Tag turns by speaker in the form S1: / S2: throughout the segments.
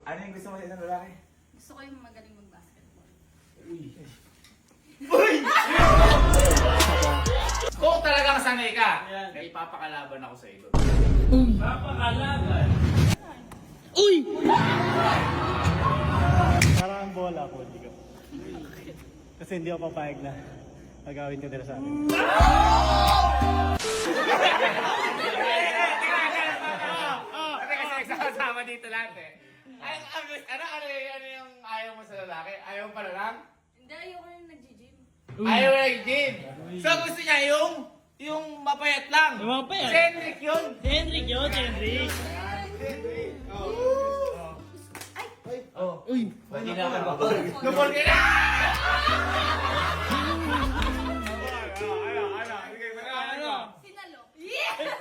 S1: Ano yung gusto mo sa isang lalaki?
S2: Gusto ko yung magaling mag-basketball.
S1: Uy!
S3: Kung talagang sanay ka, may ipapakalaban ako sa iyo.
S1: Papakalaban!
S4: Uy!
S5: Parang ang bola ko, hindi ko. Kasi hindi ako papayag na magawin ka nila sa akin.
S3: Kasi nagsasama dito lahat eh. Ano yung ayaw mo sa lalaki? Ayaw mo pala lang?
S2: Hindi, ayoko yung nag-gym.
S3: Ayaw mo lang gym. So gusto niya yung mapayat lang.
S4: Yung mapayat?
S3: Si Henrik yun.
S4: Henrik yun, Henrik.
S1: Uy! Hindi na ako babal.
S3: Lumol ka na! Ano?
S2: Sinalo. Yes!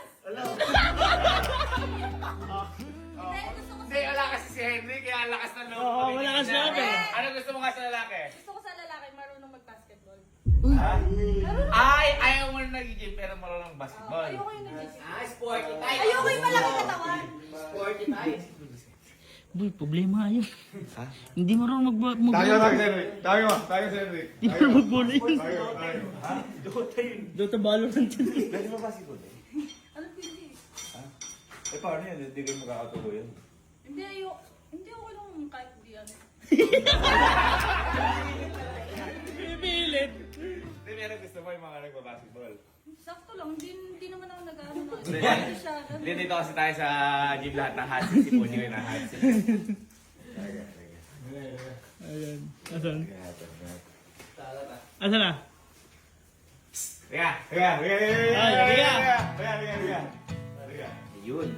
S2: Hindi, gusto ko
S3: Hindi, wala kasi si Henrik, kaya lakas ng loob.
S4: Oo, malakas na ako eh.
S3: Ano gusto mo nga sa lalaki?
S2: Gusto ko sa lalaki marunong mag-basketball.
S3: Ay, ayaw mo na nag-gym pero marunong basketball.
S2: Ayoko yung nag-gym.
S3: Sporty type.
S2: Ayoko yung malaki katawan.
S3: Sporty type.
S4: Boy, problema yun.
S1: Ha?
S4: Hindi marunong
S1: Tayo
S4: mag-bola.
S1: si Henrik! Tayo si Henrik!
S4: Hindi marunong mag-bola yun.
S1: Tayo! Ha? Dota yun!
S4: Dota Valorant yun.
S1: Pwede mo basketball eh?
S2: Ano pindi?
S1: Ha? Eh paano yun? Hindi kayo magkakatuloy yun.
S2: Hindi, ayoko. Hindi ako lang kahit di ano.
S4: Pipilit.
S1: Hindi meron gusto mo yung mga nagbabasketball.
S2: Sakto lang, hindi naman ako nag-ano.
S1: Hindi.
S2: Hindi siya.
S3: Hindi, dito kasi tayo sa gym lahat ng hot seat. Si Puji rin ang hot seat.
S4: Ayan. Asan? Asan na?
S3: Teka. Yun.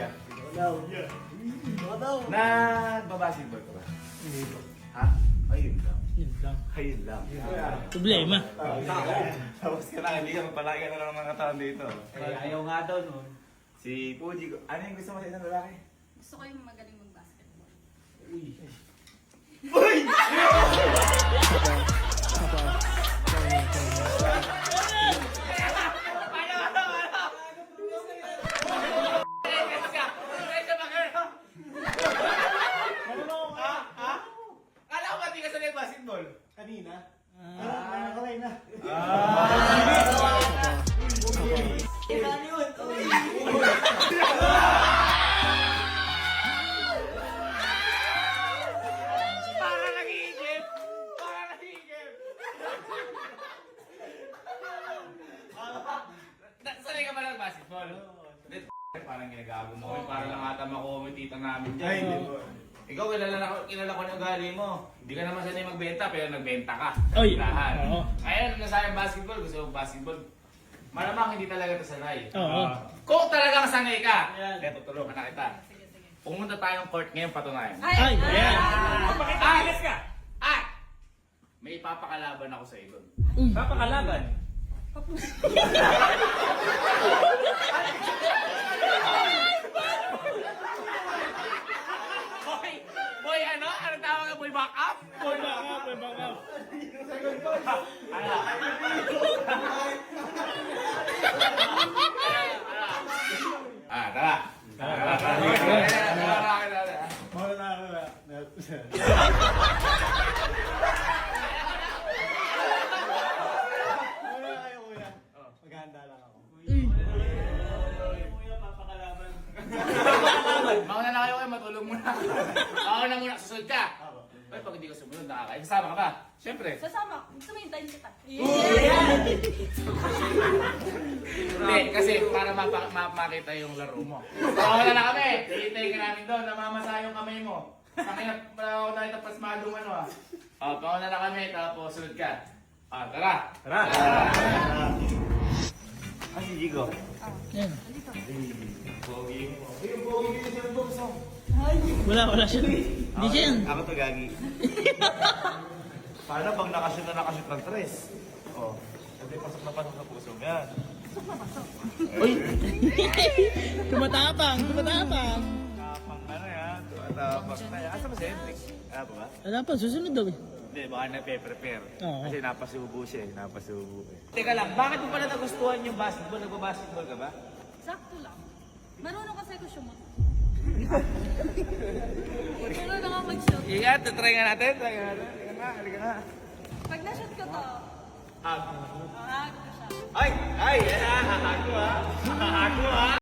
S1: Nagbabasketball ka ba? Hindi po. Ha? Ayun lang.
S4: Yun lang.
S1: Ayun lang.
S4: Problema.
S1: Tapos ka na, hindi ka magpalaki na lang ng mga taon dito.
S3: Ayaw nga daw nun.
S1: Si Puji, ano yung gusto mo sa isang lalaki?
S2: Gusto ko yung magaling mag-basketball.
S3: Kala ko ba di ka sanay basketball?
S5: Kanina? Nakalay na.
S3: Para nag-iigip! Para nag-iigip! Sanay ka ba ng basketball? Hindi, parang ginagago mo. Para lang ata makumitita namin dyan.
S1: Ay, hindi po.
S3: Ikaw, kilala ko ng ugali mo. Hindi ka naman sanay magbenta, pero nagbenta ka.
S4: Oy!
S3: Lahat.
S4: Oo.
S3: Ngayon, nasayang basketball, gusto mo basketball. Malamang hindi talaga ito sanay.
S4: Oo.
S3: Kung talagang sanay ka, eto, tulungan na kita.
S2: Sige, sige.
S3: Pumunta tayong court ngayon patunayan.
S4: Ay, ayan.
S3: Alis ka! At! May ipapakalaban ako sa iyo.
S1: Papakalaban!
S3: Boy, ano? Ano tawag ka? Boy, back up?
S4: Boy, back up, boy, back up.
S3: Ano? Tara.
S5: Mawala na ako na. Wala na kayo, kuya. Maghahanda lang ako. Kuya, papakalaban.
S3: Mauna na kayo matulog muna. Mauna muna, susunod ka. Ay, pag hindi ka sumunod, nakakain. Kasama ka ba? Siyempre.
S2: Sasama. Gusto mo hintayin kita.
S3: Hindi, kasi para makita yung laro mo. Mauna na kami. Hihintayin ka namin doon. Namamasa yung kamay mo. Nakinap pa tayo tapos malung ano ah. Pauna na kami, tapos sunod ka. Tara.
S1: Tara! Ah, si Jigo.
S4: Ayan.
S1: Pogi mo. Yung pogi mo yung sinabox mo.
S4: Wala siya. Hindi siya yan.
S1: Ako to, Gagi. Paano pag nakashoot ng tres? Oh. Hindi pasok na pasok sa puso mo yan.
S4: Uy! Tumatapang.
S1: Tapang ano yan? Tapang na yan. Asa ba si Hendrik? Ano ba?
S4: Wala pa, susunod daw eh.
S1: Hindi, baka na-prepare.
S4: Oo.
S1: Kasi napasubo siya eh. Napasubo eh.
S3: Teka lang, bakit mo pala nagustuhan yung basketball? Nagbabasketball ka ba?
S2: Sakto lang. Marunong kasi ako sumot. Pero na nga mag-shoot.
S3: Ingat, try nga natin. Try nga natin. Halika na, halika na.
S2: Pag na-shoot ko to,
S3: Hug.
S2: hag ko siya.
S3: Ay! Ay! Yan ah! Hahago ah! Hahago ah!